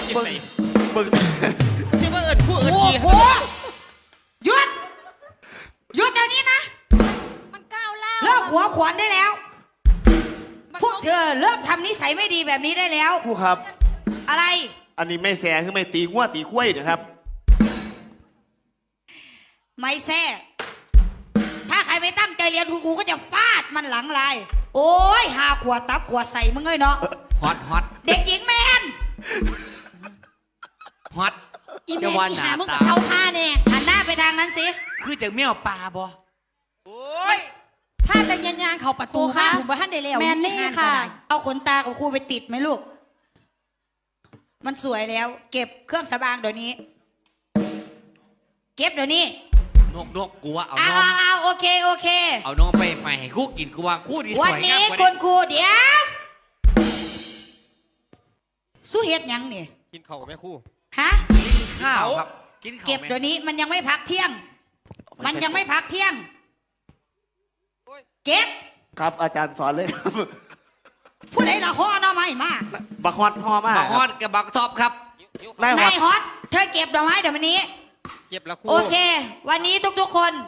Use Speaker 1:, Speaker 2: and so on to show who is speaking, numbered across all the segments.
Speaker 1: บึง
Speaker 2: ที่ว่าเอิญผู้เอิญดี
Speaker 3: โอ้โหหยุดหยุดเดี๋ยวนี้นะ
Speaker 4: มันก้าวล่า
Speaker 3: เลิกหัวขวานได้แล้วพวกเธอเลิกทำนิสัยไม่ดีแบบนี้ได้แล้ว
Speaker 1: ครูครับ
Speaker 3: อะไร
Speaker 1: อันนี้ไม่แสคือไม่ตีงัวตีคุ้ยนะครับ
Speaker 3: ไม่แซ่ถ้าใครไม่ตั้งใจเรียนครูก็จะฟาดมันหลังลายโอ้ยหาขวดตับขวดใส่มึงเอ้ยเนาะ
Speaker 2: ฮอต
Speaker 3: เด็กหญิงแมน
Speaker 2: ฮอต
Speaker 4: อีเม
Speaker 2: จะ
Speaker 4: ล
Speaker 2: วัน
Speaker 4: อี
Speaker 2: ห
Speaker 4: หา
Speaker 2: นา
Speaker 4: มึงกับ
Speaker 2: ตา
Speaker 4: เซาท่าเนี่ย
Speaker 3: หันหน้าไปทางนั้นสิ
Speaker 2: คือจากแมวปลาบ่โอ้ย
Speaker 4: ถ้าจะยันยางเขาประตูบ้านผมว่าท่านได้แล้ว
Speaker 3: แมนนี่ค่ะ เอาขนตาของครูไปติดไหมลูก มันสวยแล้ว เก็บเครื่องสำอางเดี๋ยวนี้ เก็บเดี๋ยวนี้
Speaker 2: นกกูว่าเอา
Speaker 3: เอา
Speaker 2: น้อง
Speaker 3: เอาโอเคโอเค
Speaker 2: เอาน้องไปให้กูกินกูว่ากูดีส
Speaker 3: วัน
Speaker 2: วย
Speaker 3: นี้
Speaker 2: งาม
Speaker 3: คุณครูเดี๋ยวสู้เฮ็ดหยังเนี่ย
Speaker 2: กินข้าวกับแม่ครู
Speaker 3: ฮะ
Speaker 2: ข้าวครับกินข้าว
Speaker 3: เก็บเดี๋ยวนี้มันยังไม่พักเที่ยง มันยังไม่พักเที่ยง เก็บ
Speaker 1: ครับอาจารย์สอนเลยครับ
Speaker 3: ผู้ใดละข้อน้อไม่มา
Speaker 1: บักฮอดฮอมาก
Speaker 2: บักฮอดกับบักท็อปครับ
Speaker 1: ได้ฮอ
Speaker 3: นา
Speaker 1: ด
Speaker 3: ยฮอตเธอเก็บดอกไม้เดี๋ยววันนี้
Speaker 2: เก็บแล้วครู
Speaker 3: โอเค วันนี้ทุกๆคน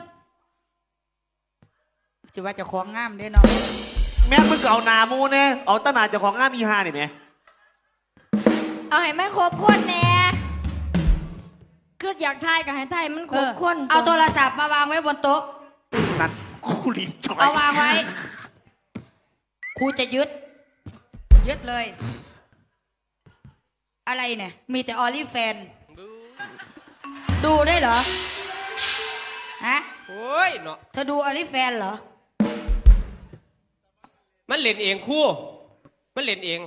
Speaker 3: จะว่าจะของงามเด้อเนาะ
Speaker 1: แม่งมึงก็เอาหนามูเนี่ยเอาตะหนาเจ้าของงามอีฮานี่ไหม
Speaker 5: เอาให้มันครบคนแน่คืออยากทายกับให้ทายมันครบคน
Speaker 3: เอาโทรศัพท์มาวางไว้บนโต๊ะ
Speaker 1: นั่นครูลิงจอย
Speaker 3: เอาวางไว้ ครูจะยึดเลย อะไรเนี่ย มีแต่ออลิแฟน ดูได้เหรอ ฮะ
Speaker 6: โอ้ยเนาะ
Speaker 3: เธอดูออลิแฟนเหรอ
Speaker 6: มันเล่นเองครู่มันเล่นเอง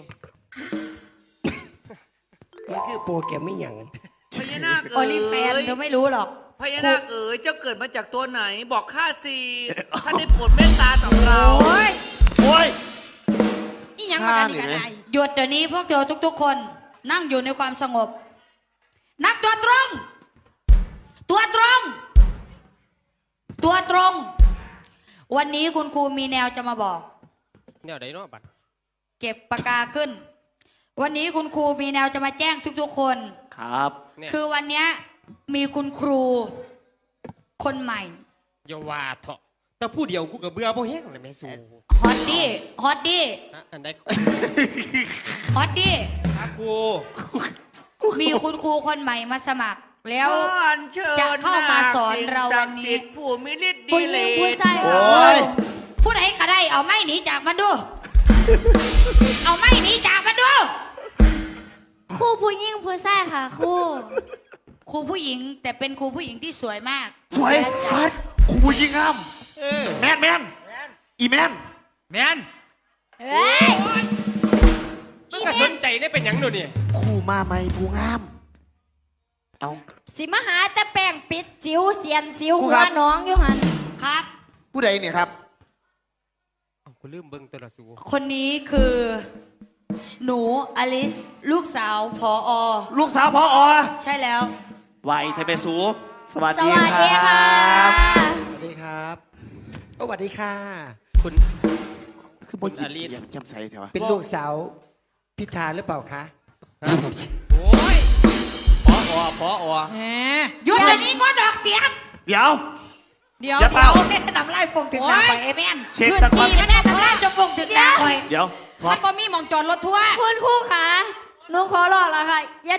Speaker 7: นี่คือโปรแกรมไม่หยัง
Speaker 8: พญานาค
Speaker 3: อ
Speaker 8: เอ๋
Speaker 3: อลิแฟน
Speaker 8: ย
Speaker 3: เธอไม่รู้หรอก
Speaker 8: พญานาคเอ๋ยเจ้าเกิดมาจากตัวไหน บอกข้าสิท่านได้โปรดเมตตาต่อเรา
Speaker 3: โอ้ย
Speaker 1: โอ้ย
Speaker 4: อีหยังมากันอีกอะไร
Speaker 3: หยุดเดี๋ยวนี้พวกเธอทุกๆคน นั่งอยู่ในความสงบ นักตัวตรง ตัวตรง ตัวตรง วันนี้คุณครูมีแนวจะมาบอก
Speaker 6: แนวใดเนาะบัด
Speaker 3: เก็บปากกาขึ้น วันนี้คุณครูมีแนวจะมาแจ้งทุกๆคน
Speaker 1: ครับ
Speaker 6: เนี่ย
Speaker 3: คือวันนี้มีคุณครู คนใหม่
Speaker 6: อย่าว่าเถอะแต่ผู้เดียวกูกับเบื่อบ่แห้งเลยแม่สู
Speaker 3: ฮอตดี้ฮอตดี้
Speaker 6: อันใด
Speaker 3: ฮอตดี้
Speaker 6: ครับครู
Speaker 3: มีคุณครูคนใหม่มาสมัคร แล้ว
Speaker 8: ขออัญเชิญ
Speaker 3: จะเข้ามาสอนเราวันนี้
Speaker 8: สิ่งศักดิ์สิทธิ์ผู้มีฤทธิ์
Speaker 5: ผู้
Speaker 8: ดี
Speaker 5: ห
Speaker 8: เล
Speaker 5: ญิง
Speaker 8: ย
Speaker 5: ผู้ชาย
Speaker 1: โอ้ย
Speaker 3: ผู้ใดก็ได้เอาไม้หนีจากมันดู เอาไม้หนีจากมันดู
Speaker 5: คู่ผู้หญิงผู้ชายค่ะคู่
Speaker 3: ครูผู้หญิงแต่เป็นครูผู้หญิงที่สวยมาก
Speaker 1: สวยปัดครูยิงงาม
Speaker 6: เออ
Speaker 1: แมนอีแมน
Speaker 2: แมน
Speaker 5: เฮ้ย
Speaker 6: มึงก็สนใจได้เป็นหยังดูนี่
Speaker 1: ครูมาไหมผู้งาม เอา
Speaker 5: สิมาหาแต่แป้งปิดสิวเสียนสิว
Speaker 1: ครู
Speaker 5: หั
Speaker 1: คว รับ
Speaker 5: น้องอยู่หัน
Speaker 3: ครับ
Speaker 1: ผู้ใดเนี่ยครับ
Speaker 6: เอากูลืมเบิ่งตัวละสู
Speaker 3: คนนี้คือ หนูอลิส ลูกสาวผออ
Speaker 1: ลูกสาวพออ
Speaker 3: ใช่แล้ว
Speaker 1: ไวไทยเปสูสวัส
Speaker 5: ส
Speaker 1: ดี
Speaker 5: วัสดี
Speaker 1: ค
Speaker 5: ค่ะ
Speaker 1: รับ
Speaker 7: สวัสดีครับโอ้สวัสดีค่ะ
Speaker 6: คุณ
Speaker 1: คือบ่ยิ
Speaker 6: อลิส
Speaker 1: ยังจำใส่เถอะวะ
Speaker 7: เป็นลูกสาวพิธาหรือเปล่าคะ
Speaker 6: โอ้ยพออ
Speaker 4: แหม
Speaker 3: หยุดเดี๋ยวนี้ก็ดอกเสียง
Speaker 1: เดี๋ยว
Speaker 4: เดี๋ยว
Speaker 1: อย่าเป่า
Speaker 3: ทำไรฟงถึงหน้าไปไอ้แม่น
Speaker 1: เช็ค
Speaker 4: พื้น
Speaker 1: สักวัน
Speaker 4: ที่มันแน่น
Speaker 3: ทำไรจะฟงถึงหน้าไป
Speaker 1: เดี๋ยว
Speaker 4: มันบ่มีหมองจอดรถทัวร์
Speaker 5: คุณครูค่ะหนูขอร้องแล้วค่ะ อย่า